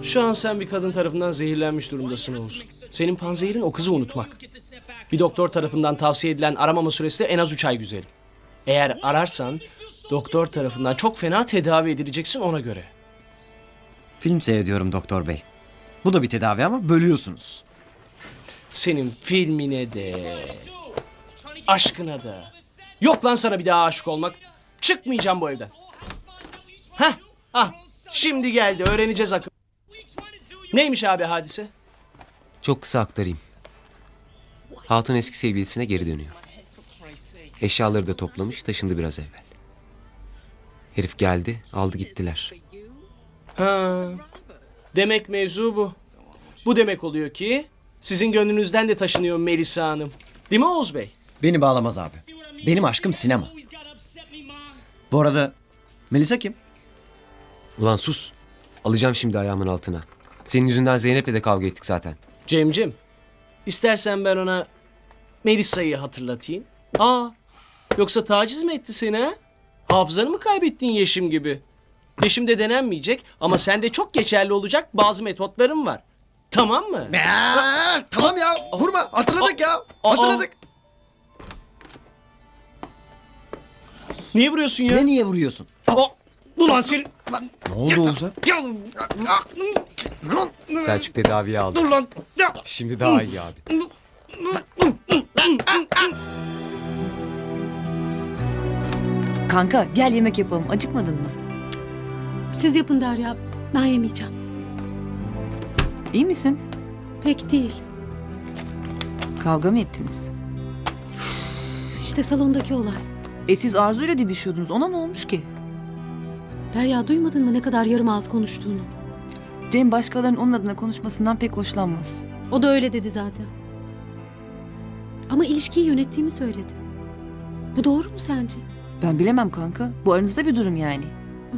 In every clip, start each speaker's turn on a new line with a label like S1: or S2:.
S1: Şu an sen bir kadın tarafından zehirlenmiş durumdasın Oğuz. Senin panzehirin o kızı unutmak. Bir doktor tarafından tavsiye edilen aramama süresi de en az 3 ay güzelim. Eğer ararsan doktor tarafından çok fena tedavi edileceksin ona göre.
S2: Film seyrediyorum doktor bey. Bu da bir tedavi ama bölüyorsunuz.
S1: Senin filmine de, aşkına da. Yok lan sana bir daha aşık olmak. Çıkmayacağım bu evden. Heh, şimdi geldi öğreneceğiz akıl. Neymiş abi hadise?
S3: Çok kısa aktarayım. Hatun eski sevgilisine geri dönüyor. Eşyaları da toplamış, taşındı biraz evvel. Herif geldi, aldı gittiler.
S1: Ha, demek mevzu bu. Bu demek oluyor ki sizin gönlünüzden de taşınıyor Melisa Hanım. Değil mi Oğuz Bey?
S2: Beni bağlamaz abi. Benim aşkım sinema. Bu arada Melisa kim?
S3: Ulan sus. Alacağım şimdi ayağımın altına. Senin yüzünden Zeynep'le de kavga ettik zaten.
S1: Cemcim, istersen ben ona Melisa'yı hatırlatayım. Yoksa taciz mi etti seni ha? Hafızanı mı kaybettin Yeşim gibi? Yeşim'de denenmeyecek ama sende çok geçerli olacak bazı metotlarım var. Tamam mı?
S2: Tamam ya, vurma. Hatırladık ya. Hatırladık.
S1: Niye vuruyorsun ya?
S2: Ne niye vuruyorsun?
S1: Ulan seni...
S2: Ne oldu Oğuz'a?
S3: Selçuk tedaviye aldı.
S1: Dur lan!
S3: Şimdi daha iyi abi.
S4: Kanka gel yemek yapalım. Acıkmadın mı?
S5: Siz yapın Derya. Ben yemeyeceğim.
S4: İyi misin?
S5: Pek değil.
S4: Kavga mı ettiniz?
S5: İşte salondaki olay.
S4: Siz Arzu'yla didişiyordunuz. Ona ne olmuş ki?
S5: Derya duymadın mı ne kadar yarım ağız konuştuğunu?
S4: Cem başkalarının onun adına konuşmasından pek hoşlanmaz.
S5: O da öyle dedi zaten. Ama ilişkiyi yönettiğimi söyledi. Bu doğru mu sence?
S4: Ben bilemem kanka. Bu aranızda bir durum yani.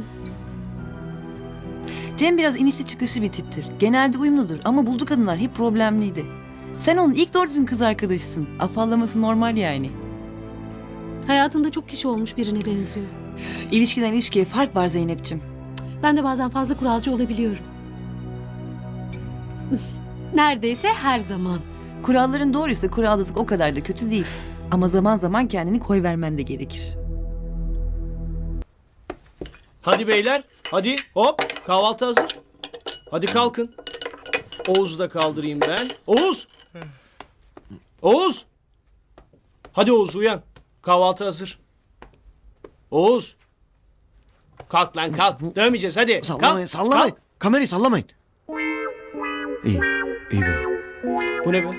S4: Cem biraz inişli çıkışlı bir tiptir. Genelde uyumludur ama bulduğu kadınlar hep problemliydi. Sen onun ilk doğru düzgün kız arkadaşısın. Afallaması normal yani.
S5: Hayatında çok kişi olmuş birine benziyor.
S4: İlişkiden ilişkiye fark var Zeynep'ciğim.
S5: Ben de bazen fazla kuralcı olabiliyorum. Neredeyse her zaman.
S4: Kuralların doğruysa kuralcılık o kadar da kötü değil. Ama zaman zaman kendini koyvermen de gerekir.
S1: Hadi beyler, hadi hop kahvaltı hazır. Hadi kalkın. Oğuz'u da kaldırayım ben. Oğuz! Oğuz! Hadi Oğuz uyan. Kahvaltı hazır. Oğuz! Kalk lan kalk. Dövmeyeceğiz hadi.
S2: Sallamayın,
S1: Kalk,
S2: sallamayın.
S1: kalk.
S2: Kamerayı sallamayın. İyi, iyi be.
S1: Bu ne be?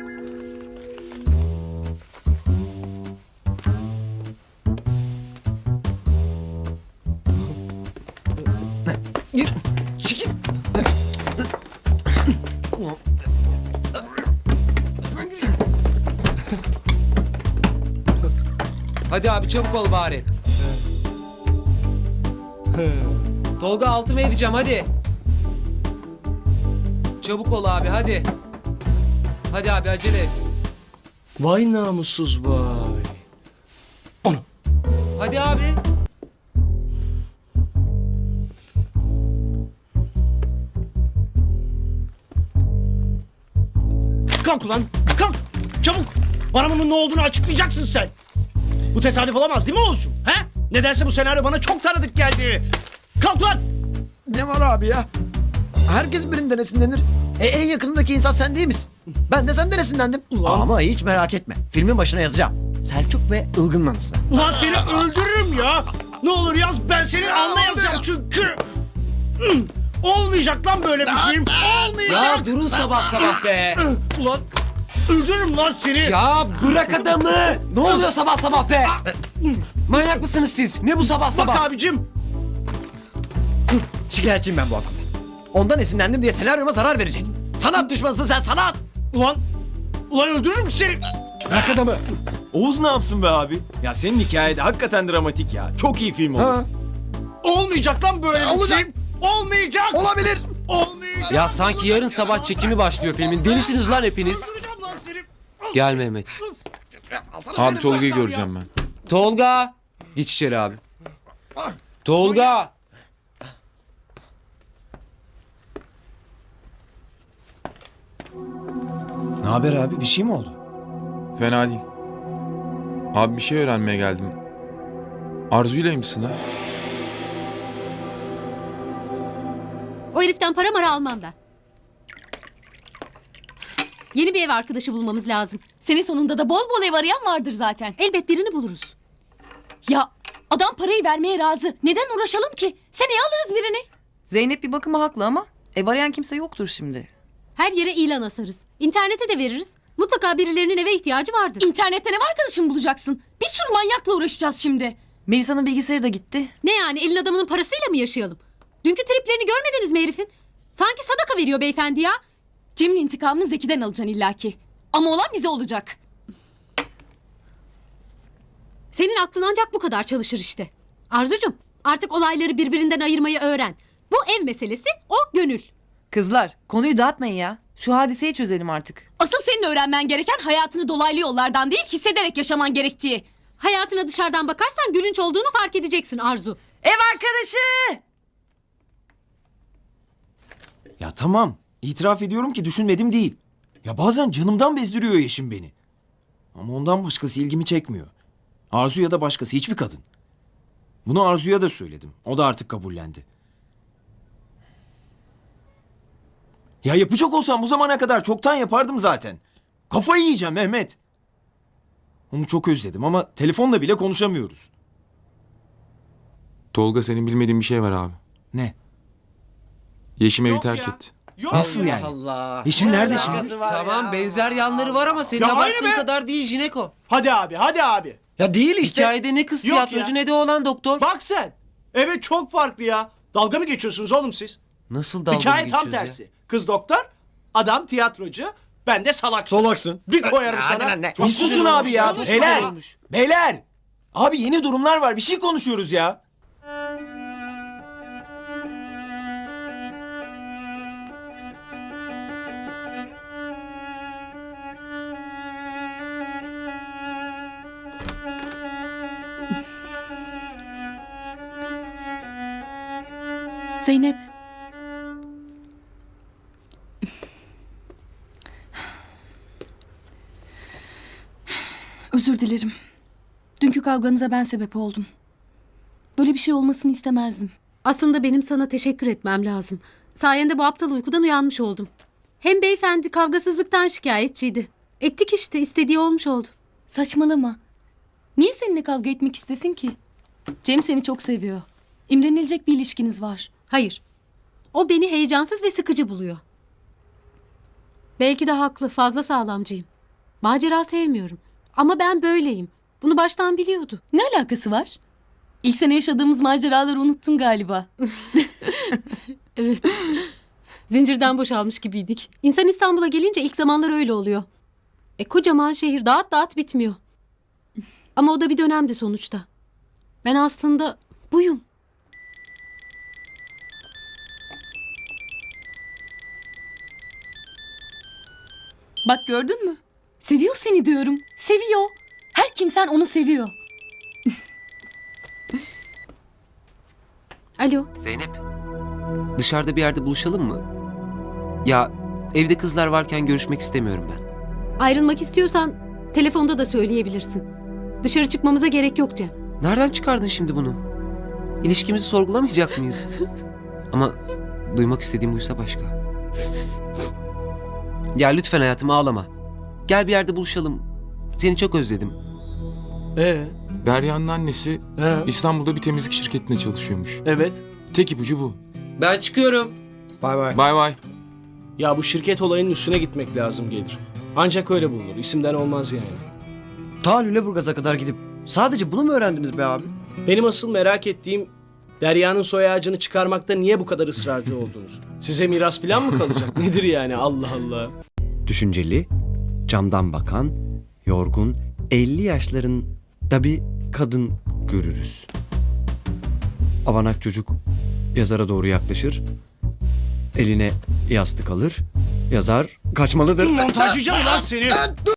S3: Hadi abi çabuk ol bari. Tolga altıma edeceğim hadi. Çabuk ol abi hadi. Hadi abi acele et.
S1: Vay namussuz vay. Onu.
S3: Hadi abi.
S1: Kalk ulan kalk. Çabuk. Bana bunun ne olduğunu açıklayacaksın sen. Bu tesadüf olamaz değil mi Oğuzcuğum? He? Nedense bu senaryo bana çok tanıdık geldi. Kalk lan.
S2: Ne var abi ya? Herkes birinden esinlenir. En yakınımdaki insan sen değil misin? Ben de senden esinlendim.
S1: Ulan.
S2: Ama hiç merak etme. Filmin başına yazacağım. Selçuk ve Ilgın'ın anısı.
S1: Ulan seni öldürürüm ya. Ne olur yaz ben senin alnına yazacağım çünkü. Olmayacak lan böyle bir film. Olmayacak.
S3: Ya durun sabah sabah be.
S1: Ulan öldürürüm lan seni.
S3: Ya bırak adamı. Ne oluyor sabah sabah be? Manyak mısınız siz? Ne bu sabah
S1: Bak
S3: sabah?
S1: abicim.
S2: Şikayetçiyim ben bu adamdan. Ondan esinlendim diye senaryoma zarar verecek. Sanat düşmanısın sen, sanat!
S1: Ulan öldürürüm seni.
S3: Bırak adamı.
S6: Oğuz ne yapsın be abi? Ya senin hikayede hakikaten dramatik ya. Çok iyi film oldu.
S2: Ha,
S1: Olmayacak lan böyle bir
S2: Olacak.
S1: film. Olmayacak.
S2: olabilir.
S1: Olmayacak.
S3: Ya sanki yarın sabah çekimi başlıyor filmin. Delisiniz lan hepiniz.
S1: Öldüreceğim lan seni.
S3: Gel Mehmet.
S6: Abi Tolga'yı göreceğim ben.
S3: Tolga. Geç içeri abi. Tolga.
S6: Ne haber abi? Bir şey mi oldu?
S7: Fena değil. Abi bir şey öğrenmeye geldim. Arzu'yla mısın ha?
S5: O heriften para mara almam ben. Yeni bir ev arkadaşı bulmamız lazım.
S8: Senin sonunda da bol bol ev arayan vardır zaten.
S5: Elbet birini buluruz.
S8: Ya adam parayı vermeye razı. Neden uğraşalım ki? Seneye alırız birini.
S4: Zeynep bir bakıma haklı ama ev arayan kimse yoktur şimdi.
S5: Her yere ilan asarız. İnternete de veririz. Mutlaka birilerinin eve ihtiyacı vardır.
S8: İnternetten ev arkadaşım bulacaksın. Bir sürü manyakla uğraşacağız şimdi.
S4: Melisa'nın bilgisayarı da gitti.
S5: Ne yani, elin adamının parasıyla mı yaşayalım? Dünkü triplerini görmediniz mi herifin? Sanki sadaka veriyor beyefendi ya.
S8: Cem'in intikamını Zeki'den alacaksın illaki. Ama olan bize olacak.
S5: Senin aklın ancak bu kadar çalışır işte. Arzucum, artık olayları birbirinden ayırmayı öğren. Bu ev meselesi, o gönül.
S4: Kızlar konuyu dağıtmayın ya. Şu hadiseyi çözelim artık.
S8: Asıl senin öğrenmen gereken hayatını dolaylı yollardan değil hissederek yaşaman gerektiği.
S5: Hayatına dışarıdan bakarsan gülünç olduğunu fark edeceksin Arzu.
S4: Ev arkadaşı!
S6: Ya tamam. İtiraf ediyorum ki düşünmedim değil. Ya bazen canımdan bezdiriyor Yeşim beni. Ama ondan başkası ilgimi çekmiyor. Arzu ya da başkası, hiçbir kadın. Bunu Arzu'ya da söyledim. O da artık kabullendi. Ya yapacak olsam bu zamana kadar çoktan yapardım zaten. Kafayı yiyeceğim Mehmet. Onu çok özledim ama telefonla bile konuşamıyoruz.
S7: Tolga, senin bilmediğin bir şey var abi.
S6: Ne?
S7: Yeşim evi terk etti.
S6: Nasıl yani?
S1: Allah.
S6: Yeşim nerede şimdi?
S3: Tamam, benzer yanları var ama senin
S1: Ya aynı
S3: abarttığın
S1: be.
S3: kadar değil Jineko.
S1: Hadi abi, hadi abi.
S2: Ya değil işte.
S3: Hikayede ne kız
S1: Yok
S3: tiyatrocu
S1: ya.
S3: ne de oğlan doktor.
S1: Bak sen. Evet, çok farklı ya. Dalga mı geçiyorsunuz oğlum siz?
S3: Nasıl dalga
S1: Hikaye
S3: mı
S1: tam
S3: geçiyoruz
S1: tersi. Kız doktor, adam tiyatrocu, ben de salak.
S2: Solaksın.
S1: Bir koyarım sana.
S6: Bir susun abi ya.
S1: Çok
S6: Beyler.
S1: güzel olmuş.
S6: Beyler. Abi yeni durumlar var. Bir şey konuşuyoruz ya.
S8: Zeynep. Özür dilerim. Dünkü kavganıza ben sebep oldum. Böyle bir şey olmasını istemezdim.
S5: Aslında benim sana teşekkür etmem lazım. Sayende bu aptal uykudan uyanmış oldum. Hem beyefendi kavgasızlıktan şikayetçiydi. Ettik işte, istediği olmuş oldu.
S8: Saçmalama. Niye seninle kavga etmek istesin ki? Cem seni çok seviyor. İmrenilecek bir ilişkiniz var.
S5: Hayır. O beni heyecansız ve sıkıcı buluyor. Belki de haklı, fazla sağlamcıyım. Macera sevmiyorum. Ama ben böyleyim. Bunu baştan biliyordu.
S8: Ne alakası var? İlk sene yaşadığımız maceraları unuttun galiba.
S5: Evet. Zincirden boşalmış gibiydik. İnsan İstanbul'a gelince ilk zamanlar öyle oluyor. Kocaman şehir, dağıt dağıt bitmiyor. Ama o da bir dönemdi sonuçta. Ben aslında buyum.
S8: Bak gördün mü? Seviyor seni diyorum. Seviyor. Her kimsen onu seviyor.
S5: Alo.
S3: Zeynep, dışarıda bir yerde buluşalım mı? Ya evde kızlar varken görüşmek istemiyorum ben.
S5: Ayrılmak istiyorsan telefonda da söyleyebilirsin. Dışarı çıkmamıza gerek yok Cem.
S3: Nereden çıkardın şimdi bunu? İlişkimizi sorgulamayacak mıyız? Ama duymak istediğim buysa başka. Ya lütfen hayatım, ağlama. Gel bir yerde buluşalım. Seni çok özledim.
S7: Derya'nın annesi
S1: He.
S7: İstanbul'da bir temizlik şirketinde çalışıyormuş.
S1: Evet.
S7: Tek ipucu bu.
S3: Ben çıkıyorum.
S2: Bay bay.
S7: Bay bay.
S1: Ya bu şirket olayının üstüne gitmek lazım gelir. Ancak öyle bulunur. İsimden olmaz yani.
S2: Ta Lüleburgaz'a kadar gidip sadece bunu mu öğrendiniz be abi?
S1: Benim asıl merak ettiğim Derya'nın soy ağacını çıkarmakta niye bu kadar ısrarcı oldunuz? Size miras falan mı kalacak? Nedir yani? Allah Allah.
S9: Düşünceli, camdan bakan, yorgun, 50 yaşlarında bir kadın görürüz. Avanak çocuk yazara doğru yaklaşır, eline yastık alır, yazar kaçmalıdır.
S1: Montajlayacağım lan seni.